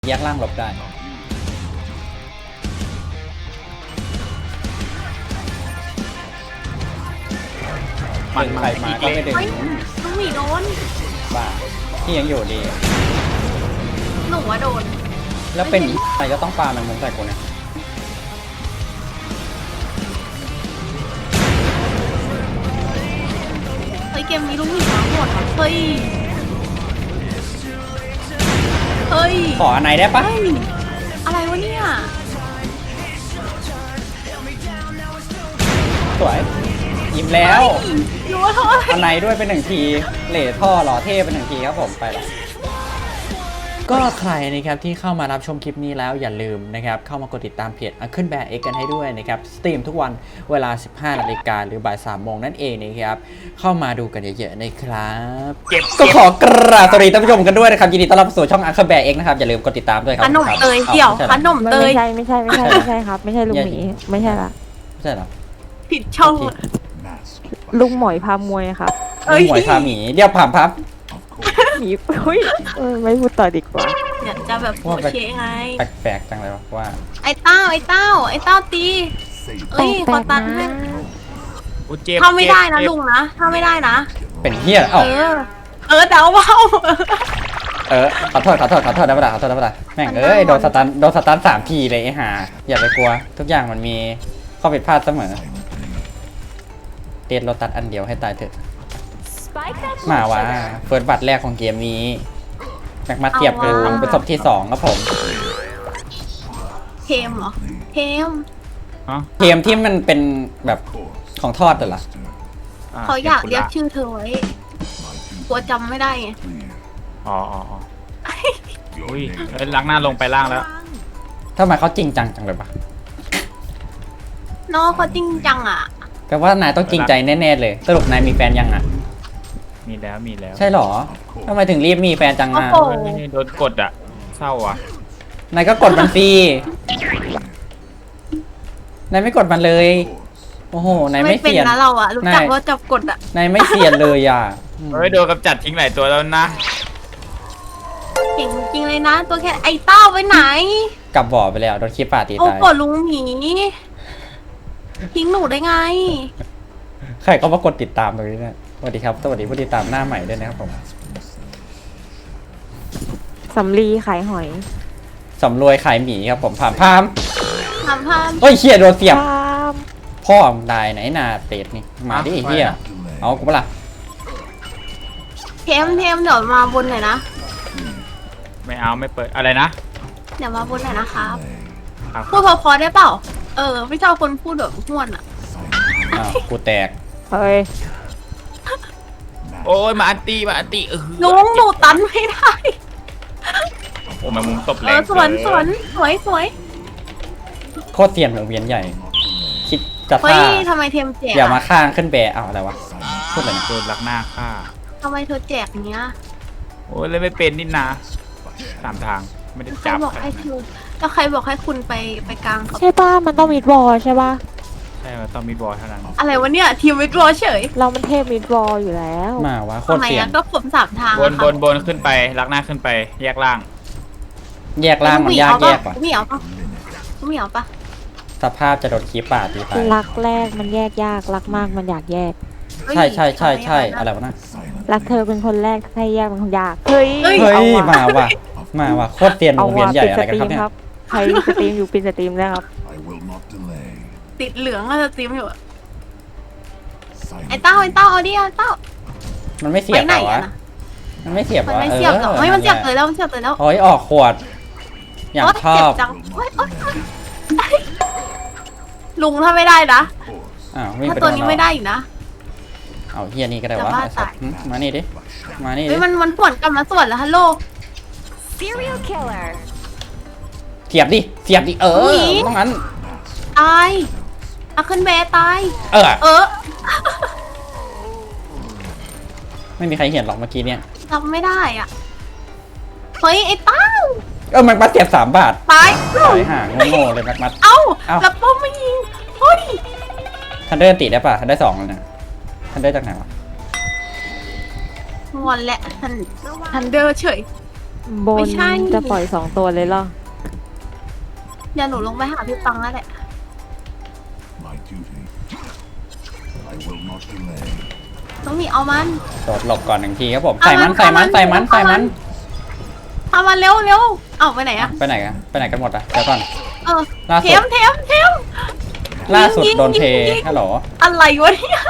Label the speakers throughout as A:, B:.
A: แยกล่างหลบได้มันใครมาก็ไม่ดึง
B: น้องหมีโดน
A: บ้าที่ยังอยู่ดี
B: หนูว่าโดน
A: แล้วเป็นอะไรก็ต้องปามันมุมใส่กูเนี่ย
B: เฮ้ยเกมนี้ลูกหมีมาหมดเฮ้ยเฮ้ย
A: ขออันไหนได้ปะ
B: อะไรวะเนี่ย
A: สวยยิ้มแล้ว
B: รู้ว่าเท่าไหร่
A: อันไหนด้วยเป็นหนึ่งทีเหล่ท่อหล่อเท่เป็นหนึ่งทีครับผมไปแล้วก็ใครนะครับที่เข้ามารับชมคลิปนี้แล้วอย่าลืมนะครับเข้ามากดติดตามเพจขึ้นแบร์เอ็กกันให้ด้วยนะครับสตรีมทุกวันเวลา 15 นาฬิกาหรือบ่าย 3 โมงนั่นเองนะครับเข้ามาดูกันเยอะๆนะครับก็ขอกราบสวัสดีท่านผู้ชมกันด้วยนะครับยินดีต้อนรับสู่ช่องขึ้นแบร์เอ็กนะครับอย่าลืมกดติดตามด้วยครับ
B: ขนมเตยเดี๋ยวขนมเตย
C: ไม่ใช่ครับไม่ใช่ลุงหมีไม่ใช่ละ
A: ไม่ใช่หรอ
B: ผิดช่องอะ
C: ลุงหมอยพามวยครับ
A: หมวยพาหมีเดี๋ยวผ่านพับ
C: หมีอุ้ยไม่พูดต่อดีกว่า
B: เนี่ยจะแบบโอเคไง
A: แปลกๆจังเลยวะว่า
B: ไอ้เต้าตีเอ้ยขอตันให้ ถ้าไม่ได้นะลุงนะถ้าไม่ได้นะ
A: เป็นเหี้ยเอ้า
B: เดาเบา
A: ขอโทษได้ปะล่ะแม่งโดนสตัน3 ทีเลยไอ้ห่าอย่าไปกลัวทุกอย่างมันมีข้อผิดพลาดเสมอเตียนเราตัดอันเดียวให้ตายเถอะมาว่าเฟิร์สบัตรแรกของเกมนี้แม็กมาเทียบกันเป็นศพที่2ครับผม
B: เทมเหรอเทม
A: เกมที่มันเป็นแบบของทอดเหรอ
B: เขาอยากเรียกชื่อเธอไว้กลัวจำไม่ได้ไง
D: อ๋ออุ้ยล้างหน้าลงไปล่างแล้ว
A: ทำไมเขาจริงจังจังเลยปะ
B: น้องเขาจริงจังอ่ะ
A: แปลว่านายต้องจริงใจแน่ๆเลยสรุปนายมีแฟนยังอ่ะ
D: มีแล้ว
A: ใช่หรอทำไมถึงรีบมีแฟนจังอ่ะ
B: โอ้โห
D: โดนกดอ่ะเศร้าอ่ะ
A: นายก็กดมันฟรีนายไม่กดมันเลย โอ้โห นายไม่
B: เป็น
A: เสียน
B: นะเราอ่ะรู้จักว่าจับกดอ่ะ
A: นายไม่เสียนเลยอ่ะ
D: เฮ้ยโดนกำจัดทิ้งหลายตัวแล้วนะ
B: เก่งจริงเลยนะ ตัวแค่ไอ้เต้าไปไหน
A: กลับบ่อไปแล้วโดนขี้ป่าตี
B: โอ้
A: ตาย
B: กดลุงหมีทิ้งหนูได้ไง
A: ใครก็มากดติดตามตรงนี้เนี่ยสวัสดีครับ สวัสดีผู้ติดตามหน้าใหม่ด้วยนะครับผม
C: สำลีขายหอย
A: สำรวยขายหมีครับผมผ่านพาม
B: ทำพาม
A: เฮ้ยเฮียโดนเสียบ
C: พาม
A: พ่อมึงตายไหนนาเตดนี่ มาดิไอ้เฮียเอากูเปะล่า
B: เทมเดี๋ยวมาบนหน่อยนะ
D: ไม่เปิดอะไรนะ
B: เดี๋ยวมาบนหน่อยนะครับ
D: ครับ
B: พูดพอๆได้เปล่า ไม่ชอบคนพูดแบบห้วนอ่ะ
A: อ้าวกูแตก
C: เฮ้ย
D: โอ้ยมาอันตี
B: ลุงหนูตันไม่ได้
D: โอ้แมงมุมตบแร
B: เอง สวย
A: โคตรเสียนของเวียนใหญ่ คิดจะ
B: เฮ้
A: ฆ่าย
B: ทำไมเทมแจก
A: อย่ามา
B: อะ
A: ข้างขึ้นแบะเอาอะไรวะพูดอะไรนะ
D: โดนลักหน้าฆ่า
B: ทำไมเธอแจกอย่างเงี้ย
D: โอ้ยเลยไม่เป็นนี่นา3 ทางไม่ได้
B: ใคร
D: จับ
B: บอกให้คุณแล้วใครบอกให้คุณไปกลางเขา
C: ใช่ป่ะมันต้องมีดวอลใช่ป่ะ
D: ใช่มันต้องมีบอลเท่านั้น
B: อะไรวะเนี่ยทีมวิทรอเฉย
C: เรามันเทพมีดวอลอยู่แล้ว
A: มาวะโค
B: ทำ
A: ตร
B: ไม
A: เสียน
B: อะก็ผม3 ทาง
D: บนขึ้นไปลักหน้าขึ้นไปแยกล่าง
A: แยกล่างมันยากแยกว่ะ
B: เหมียวปะ
A: สภาพจะโดนขี้ป่าตีตาย
C: รักแรกมันแยกยากรักมากมันอยากแยก
A: ใช่อะไรวะนะ
C: รักเธอเป็นคนแรกให้แยกเป็นคนยากเฮ้ย
A: เฮ้ย
C: เอาว่ะ
A: มาว่ะโคตรเตียนว
C: เอา
A: งเวีย
C: ว่ะ
A: นใหญ่
C: ปิด
A: อะ
C: ส
A: ไรกัน
C: ตรี
A: ครับ
C: ม
A: เนี่ย
C: ครับใครสตรีมอยู่ปิดสตรีมนะครับ
B: ติดเหลืองอะสตรีมอยู่อะไอ้เต้าเอาดิเอาเต้า
A: มันไม่เสี
B: ไป
A: ยบ
B: ไหน
A: เหรอวะ
B: อะนะ
A: มันไม่เสียบ
B: มัน
A: วะ
B: ไม่เสียบหรอกเฮ้ยมันเสียบเลยแล้ว
A: โอ้ยออกขวด อย่างชอ
B: เจ็
A: บ
B: จังโอ๊ยลุงถ้าไม่ได้นะ
A: อ้าววิ่ง
B: ถ้า
A: ไป
B: ตัว
A: โดน
B: นี้
A: เรา
B: ไม่ได้อีกนะ
A: เอาเฮียนี่ก็ได้
B: จะ
A: วะ
B: บ้าตาย
A: มานี่ดิมานี่
B: เฮ้
A: ดิ
B: ยมันสวนกลับมาสวนแล้วฮัลโหล
A: เสียบดิต้องงั้น
B: ตายอาขึ้นแบตาย
A: เออ ไม่มีใครเห็นหรอกเมื่อกี้เนี่ย
B: ทำไม่ได้อ่ะเฮ้ยไอ้เต้า
A: มันมาเสียบ3 บาท
B: ตาย
A: ไปห่างโง่ๆเลยมัด
B: เอ้า
A: เอ้า
B: แล้วป้อมไม่ยิงเฮ้ย
A: ทันเดอร์ติได้ป่ะทันได้2แล้วนะทันเดอร์จากไหนวะ
B: งอนแหละทันเดอร์เฉย
C: บ
B: ไม่
C: น
B: ใช่
C: จะปล่อย2ตัวเลยเหรอ
B: เดี๋ยวหนูลงไปหาพี่ปังแล้วแหละ
E: My duty. I will not delay.
B: ต้องมีเอามัน
A: โดดหลบก่อนหนึ่งทีครับผม
B: เอา
A: ใส่มัน
B: มัน
A: ใส่มัน
B: เอามัน
A: ใส่มัน
B: เอามัน
A: ใส่มัน
B: เอามันเร็วเร็วเอาไปไหนอะ
A: ไปไหนกันไปไหนกันหมดอะเดี๋ยวก่อน
B: เออ
A: ล่าสุด
B: เทมเทมเทม
A: ล่าสุด
B: ยิง
A: โดนเท
B: ยิง
A: ฮัลโหล
B: อะไรวะเนี่ย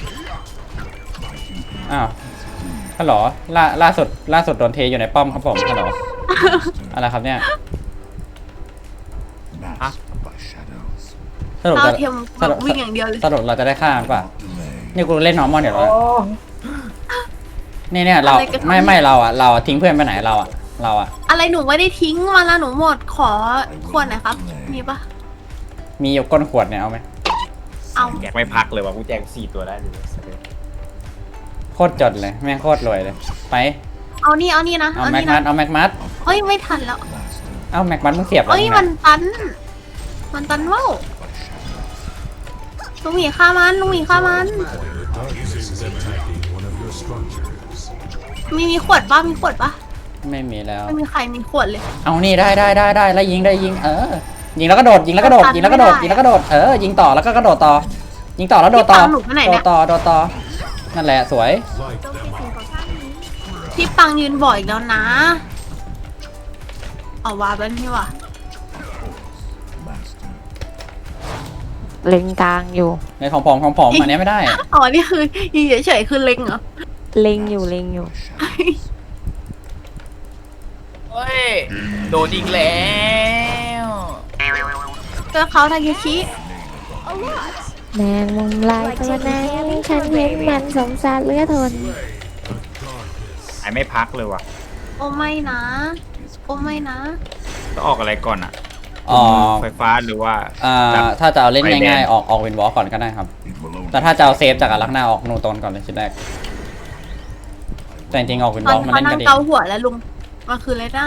A: อ้าวฮัลโหลล่าสุดโดนเทอยู่ในป้อมครับผมฮัลโหลอะไรครับเนี่ย
E: Masked by shadows.
A: สรุป
B: เอา
A: จะ
B: เทมแบบวิ่งอย่างเดียวเลย
A: สรุปเราจะได้ฆ่ามันป่ะ
E: Delay.
A: นี่กูเล่นนอร์มอนเดี๋ยวเราเนี่ยเรา
B: อะไรกัน
A: ไม่เราอะทิ้งเพื่อนไปไหนเราอะ
B: อะไรหนูไม่ได้ทิ้งมาละหนูหมดขอขวดหน่อยครับ มีปะ
A: มีอยู่ก้นขวดเนี่ยเอาไหม
B: เอา
D: แจกไม่พักเลยว่ะกูแจก4ตัวได้เลย
A: โคตรจดเลยแม่งโคตรรวยเลยไป
B: เอานี่นะ
A: เอา
B: เอา
A: แม็ก
B: นี่
A: มั
B: นะ
A: ดเอาแม็กมัด
B: เฮ้ยไม่ทันแล้ว
A: เอาแม็กมัดมึงเสียบอะไร
B: เอ้ย
A: เนี่ย
B: มันตันว่าวลุงหมีฆ่ามันลุงหมีฆ่ามัน มีขวดปะมีขวดปะ
A: ไม่มีแล้ว
B: ไม่มีใครมีขวดเลย
A: เอานี่ได้แล้วยิงยิงแล้วก็โดดยิงแล้วก็โดดยิงแล้วก็โดดยิงแล้วก็โดดยิงต่อแล้วก็กระโดดต่อ ยิงต่อแล้วโดดต่อ
B: พี่ปังหนูไปไหนเนี่ย
A: โดดต่อนั่นแหละสวย
B: พี่ปังยืนบ่อยอีกแล้วนะ เอาวาเป็นพี่วะ
E: Master.
C: เล็งกลางอยู่
A: ในของผมอันนี้ไม่ได้
B: อ๋อนี่คือยืนเฉยๆคือเล็งเหรอ
C: เล็งอยู่
D: เฮ้ยโดนอีกแล้ว
B: เจอเขาทาเคชิ
C: แมงมุมลายตัวนั้นฉันเห็นมันสงสารเหลือทน
D: ไอไม่พักเลยว่ะ
B: โอ้ไม่นะ โอ้ไม่นะ
D: ต้องออกอะไรก่อนอ่ะ
A: อ๋อ
D: ไฟฟ้าหรือว่า
A: ถ้าจะเอาเล่น
D: ไฟแดง
A: ง่ายๆออกวินวอล์กก่อนก็ได้ครับ
E: It will only
A: แต่ถ้าจะเอาเซฟจากอารักหน้าออกนูตนก่อนเลยชิ้นแรกแต่จริงๆออกวิน
B: ต
A: ว
B: อ
A: อน ล์กมัน
B: เขา
A: เล่น
B: นั่
A: ก็
B: ง
A: ดี
B: เกาหัวแล้วลุงมันคืออะไรนะ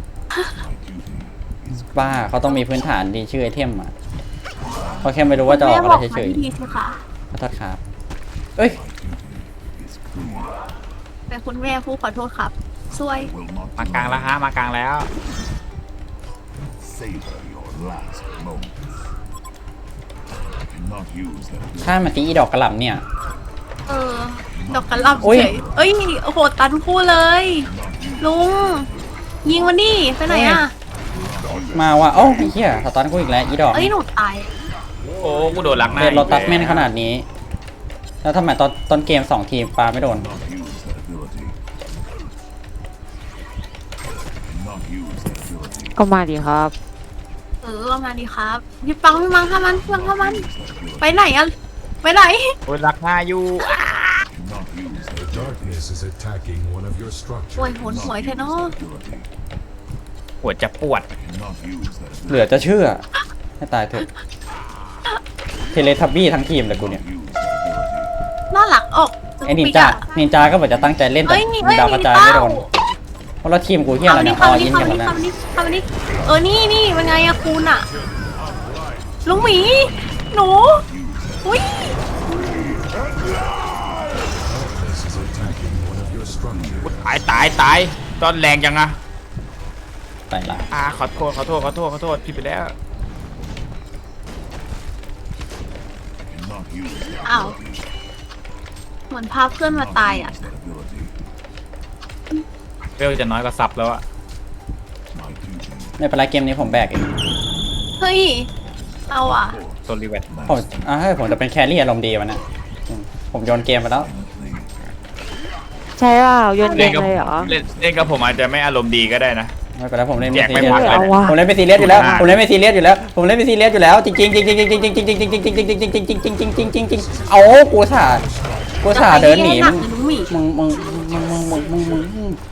A: บ้าเขาต้องมีพื้นฐานดีชื่อไอเทมอ่ะเขาแค่ไม่รู้ว่าจะออกอะไรเฉย
B: แม่บอกมาทีสิคะ
A: ๆขอโทษครับเอ้ย
B: แต่คุณแม่ผู้ขอโทษครับซวย
E: will not
D: มากลางแล้วฮะมากลางแล้ว
E: savor your last moment. I cannot use that ability.
A: ถ้ามาตีอีดอกกระหล่ำเนี่ย
B: เออ ดอกกระหล่ำ
A: อุ๊ย
B: เฉยเอ้ย โอ้โห ตันคู่เลย ลุง ยิงมันดิไปไหนอ่ะ
A: มาว่าโอ้าไอ้เหี้ยสตันกูอีกแล้วอีดอก
B: เอ้ย หนูตาย
D: โอ้กูโดนลักหน้า
A: เดนโรตัส
D: อีก
A: แม่นขนาดนี้ แล้วทำไมตอนเกม2 ทีมปลาไม่โดน
E: Not use that ability. Cannot use that ability.
C: ก็มาดีครับ
B: เออเอามาดิครับ พี่ปังฆ่ามันพี่ปังฆ่ามัน
E: Use that ability.
B: ไปไหนอ่ะ ไปไหน
D: โอ้ยลักหน้าอยู่
E: Cannot use that
F: Darkness is attacking one of your
B: โวย
F: structures.
B: โหนหวยเธอะเนาะ
E: ability.
D: ปวดจะปวด
E: Cannot use that
A: เหลือจะเชื่อ ให้ตายเถอะ เทเลทับบี้ทั้งทีมเลยกูเนี่ย
E: ability. Use that ability.
B: น่ารักออก
A: ไอ้นินจาก็เหมือนจะตั้งใจเล่นแต่
B: เอ้ยนี่เอ้ย
A: ดาวกระจายไม่โดน เพราะเราทีมกูเฮียอะไรเนี่ยออยินกันหมดแล้ว
B: เข้ามานี่เออ นี่เป็นไงอะคุณอะลุงหมี หนู อุ้ย
F: Darkness is attacking one of your structures.
D: ตายตอนแรงจังอะ
A: ไปละ
D: ขอโทษผิดไปแล้ว
E: Cannot use that
B: อ้าว เหมือนพาเพื่อนมาตายอะ
E: ability.
D: เวลจะน้อยกว่าซับแล้วอะ
E: My duty.
A: ไม่เป็นไรเกมนี้ผมแบกเอง
B: เฮ้ย เอาอะ
D: โซลิเวต
A: ผมให้ผมจะเป็นแครี่อารมณ์ดีวันนะผมโยนเกมไปแล้ว
C: ใช่เปล่าโยนเก
D: เล่น
C: ม
D: กับ
C: เลยเหรอ
D: เล่นกับผมอาจจะไม่อารมณ์ดีก็ได้นะ
A: ไม่เป็นไรผมเล่นไม่
D: แจก
A: ซี
D: ไม่
A: เรีย
D: พั
A: ส
D: ก
C: เอาวะ
A: ผมเล่นไม่ซีเรียสอยู่แล้วผมเล่นไม่ซีเรียสอยู่แล้วผมเล่นไม่ซีเรียสอยู่แล้วจริงจริงจริงจริงจริงจริงจริงจริงจริงจริงจริงจริงจริงจริงจริงจริงจริงจริงเอากูสาเดินหนี
B: หนักเลยลุงหมี
A: มึง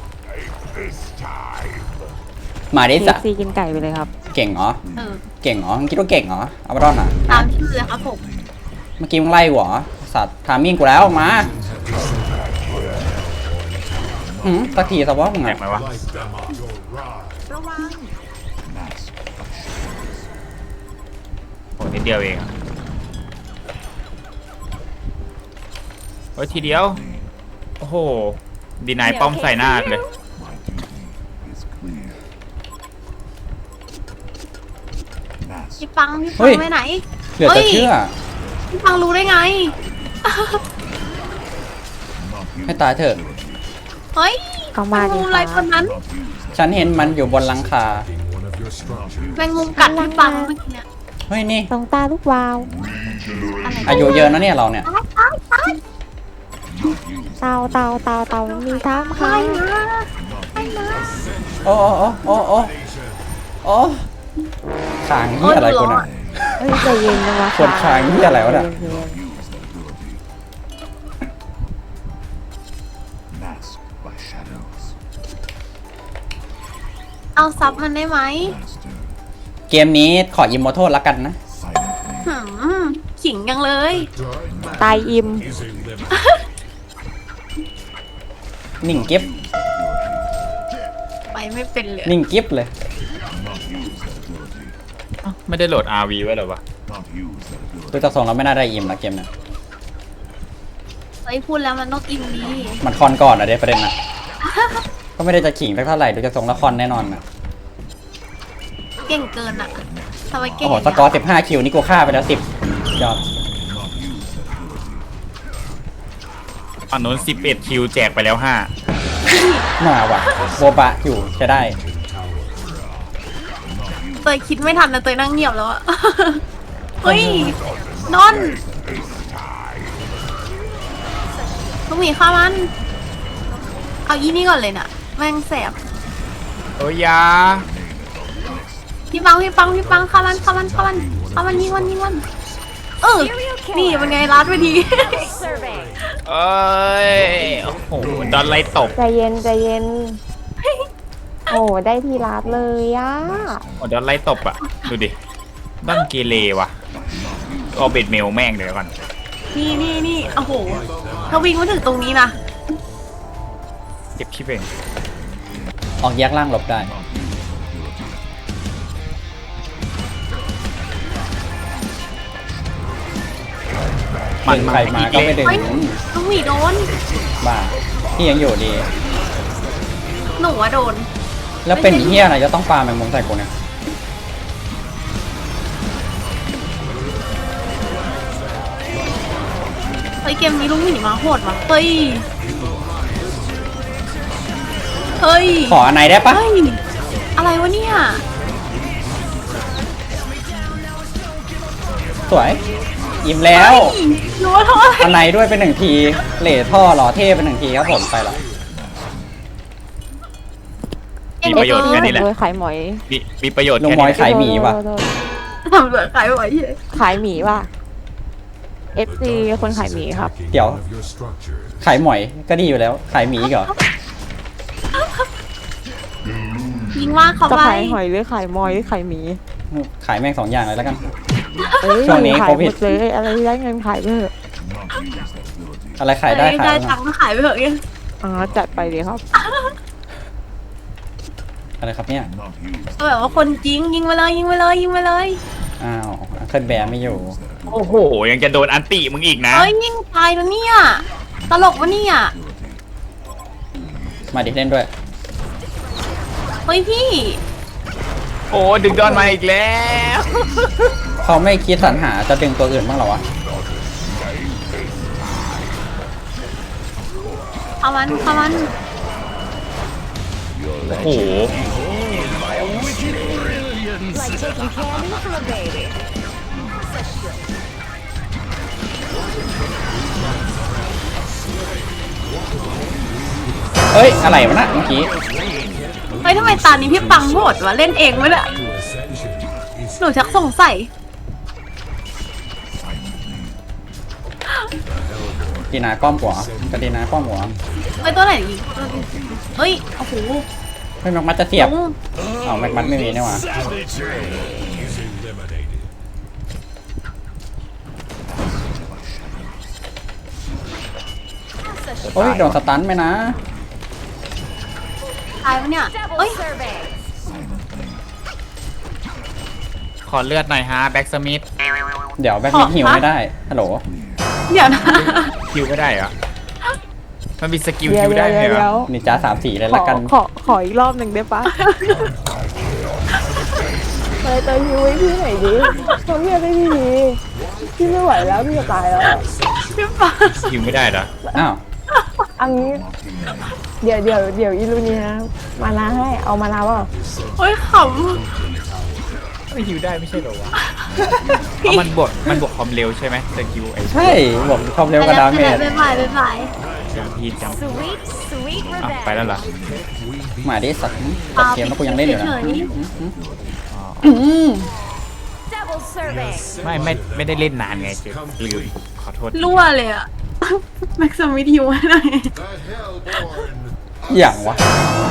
A: มาดิ
C: เค
A: สะ
C: ซีกินไก่ไปเลยครับ
A: เก่งเหรอ
B: เออ
A: เก่งเหรอมึงคิดว่าเก่งเหรอเอาไปรอดน่ะ
B: ตามชื่อเลยครับผม
A: เมื่อกี้มึงไล่หัวสัตว์ทามิ่งกูแล้วมาสักทีสวอปมึง
D: แจ
A: อ่ะ
D: กไหมวะ
F: Light them up your rod.
D: โอ้นิดเดียวเองอะโอ้ยทีเดียว โอ้โห ดีนายป้อมใส่หน้าเลย
E: My duty is clear.
B: พี่ปัง
A: เฮ้ย
B: ไปไหน
A: เหลือจะเชื่อ
B: พี่ปังรู้ได้ไง
A: ให้ตายเถอะ
B: เฮ้ย
C: ก็มาดิ
B: แงมุมอะไรคนนั้น
A: ฉันเห็นมันอยู่บนหลังคา
F: In one of your structures.
B: แมงมุมกัดพี่ปังเมื่อกี้เนี่ย
A: เฮ้ยนี่
C: ตรงตาลูกวาว
A: อายุเยอะนะเนี่ยเราเนี่ย
C: เตามีท้ามค่ะ
A: โอ้โอ้โอ้โอ้โอ้ขางเหี้ยอะไรกูน่ะ
C: เฮ้ยใจเย็นนะวะ
A: ปวดคางเหี้ยอะไรวะเนี่ย
E: Masked by shadows.
B: เอาซับมันได้ไหม
E: Master
A: เกมนี้ขออิมมอร์ทัลละกันนะ
E: silently.
B: หืมขิงยังเลย
C: ตายอิ่ม
F: Is a limit.
A: นิ่งกิฟ
B: ไปไม่เป็นเลย
A: นิ่งกิฟเลย
E: Not use that ability.
D: ไม่ได้โหลด RV ไว้เหรอวะ
E: Not use that ability.
A: ดูจากทรงเราไม่น่าได้อิมละเกมน่ะ
B: เฮ้ยพูดแล้วมันต้องอินดี
A: มันคอนก่อนอะเด้ประเด็นน่ะ ก็ไม่ได้จะขิงสักเท่าไหร่ดูจากทรงละครแน่นอนนะ
B: เก่งเกินอ่ะทำไมเก่
A: โอ้
B: ง
A: โหสกอร์15คิวนี่กูฆ่าไปแล้ว10ยอด
D: ฝั่งนู้น11 คิวแจกไปแล้ว
A: มาว่ะโบบะอยู่จะได้
B: เตยคิดไม่ทันนะเตยนั่งเงียบแล้วอะ เฮ้ยนอนลูกหมีข้ามัน เอายี่นี่ก่อนเลยน่ะ แม่งแสบ
D: 5โอ้ยยา
B: พี่ปังข้ามันยิงมันนี่เป็นไงรัดไปดี
D: เอ้ย โอ้โหโดนไล่ตบ
C: ใจเย็นโอ้ได้ทีรัดเลยอ่ะ
D: โอ้โดนไล่ตบอ่ะ ดูดิบ้านเกเรว่ะเอาเบ็ดเมลแม่งเดี๋ยวก่อน
B: นี่โอ้โหถ้าวิ่งมาถึงตรงนี้นะ
D: เก็บคลิปเอง
A: ออกแยกล่างหลบได้
D: มัน
A: ใครมาก็ไม่ดึง
B: เฮ้ยลูกหมีโดน
A: บ้าพี่ยังอยู่ดี
B: หนูอะโดน
A: แล้วเป็นเฮียอะไรจะต้องปาแมงมุมใส่กูเนี่ย
B: เฮ้ยเกมนี้ลูกหมีมาโหดว่ะเฮ้ย
A: ขออันไหนได้ปะ
B: เฮ้ยอะไรวะเนี่ย
A: สวยอิ่มแล้ว
B: หนูว่าเท่าไหร่
A: อันไหนด้วยเป็น1 ทีเหล่ท่อหล่อเท่เป็น1 ทีครับผมไปละ
D: มีประโยชน์แค่นี้แหละ
C: โดยขายหมอย
D: มีประโยชน์
A: ลุง
D: แค่
A: มอย
D: นี้
A: ขายหมีว่ะ
C: โดน
B: ทำเหลือขายไหวเหี้ย
C: ขายหมีว่ะ FC คนขายหมีครับ
F: Attacking
A: Tiểu.
F: one of your structures.
A: ขายหมอยก็ดีอยู่แล้ว ขายหมีอีกเหรอ
B: ยิงว่าเขา
C: จะ
B: ไป
C: ขายหอยหรือขายมอยหรือขายหมี
A: ขายแม่ง2 อย่างเลยแล้วกัน
C: เอ้ย
A: ช่วงนี้
C: ขาย
A: โค
C: ห
A: วิ
C: ม
A: ด
C: ดเลยอะไรได้เงินขายไปเถอะ
E: Not use that ability.
A: อะไรขายได้ขาย
B: ได้
A: ไป
B: ตังค์ก็ขายไปเถอะเนี่ย
C: อ๋อจัดไปเลยครับ
A: อะไรครับเนี่ย
E: Not use
B: ก็แบบว่าคนจริงยิงไปเลย
A: อ้าวเคลื่อนแบร์ไม่อยู่
D: โอ้โห ยังจะโดนอันติมึงอีกนะ
B: เฮ้ยยิงตายแล้วเนี่ยตลกวะเนี่ย
A: มาดิเล่นด้วย
B: เฮ้ยพี่
D: โอ้ดึงดอนมาอีกแล้ว
A: เขาไม่คิดสรรหาจะดึงตัวอื่นบ้างเหรอวะ
B: เอามัน
D: โอ้โห
A: เอ้ยอะไรวะน่ะเมื่อกี้
B: เฮ้ยทำไมตานี้พี่ปังโหดวะเล่นเองไม่ได้
F: Ascension is
B: หนูชักสงสัย
A: ดีนาก้อมหัวกระดีนาก้อมหัว
B: เฮ้ยตัวไหนยิงเฮ้ยโอ้โห
A: เฮ้ยแม็กมัดจะเสียบ
B: ลุง
A: อ้าวแม็กมัดไม่มีนี่หว่า
F: eliminated.
A: โอ้ยโดนสตันไหมนะ
B: ตายปะเนี่ยเฮ้ย
D: ขอเลือดหน่อยฮะแบ็กสมิธ
A: เดี๋ยวแบ็คมิดฮิวไม่ได้ฮัลโหล
B: เดี๋ยวนะ
D: คิวไม่ได้เหรอ มันมีสกิล
C: เดี๋ย
D: คิ
C: ว
D: วได้ไหม
C: เดี๋ยว
D: เหรอ
A: นินจา3-4เลย
C: ข
A: ละ
C: อ
A: กัน
C: ขออีกรอบหนึ่งได้ปะ
B: เ
G: เตยฮิวไว้พี่ไหนดิทำเพี้ยได้พี่ดีพี่ไม่ไหวแล้วพี่จะตายแล้ว
B: พี่ฟ้า
D: ยิงไม่ได้เหรอ
A: อ้าว
G: อันนี้เดี๋ยวอีลูนีนะมานาให้เอามานาเปล่า
B: โอ้ยข
D: ไม่ฮิวได้ไม่ใช่เหรอวะเอามันบวกความเร็วใช่ไหมสกิลไอ้
A: ใช่บอกความ
B: ำ
A: เร็วกับดาเมจ
B: บ๊ายบายบ๊ายบาย
D: จำพีจำ
C: sweet sweet
D: อ่ะไปแล้วเหรอ
A: มาดิสัตว์ตัดเกมแล้วกูยังเล่นอยู่นะ
B: เฉย
A: อืม
C: double serving
D: ไม่ได้เล่นนานไงเจ๊ลืมขอโทษ
B: ๆรั่วเลยอะแม็กซ์มิทิวให้หน่อย
F: The Hellborn
A: อย่างวะ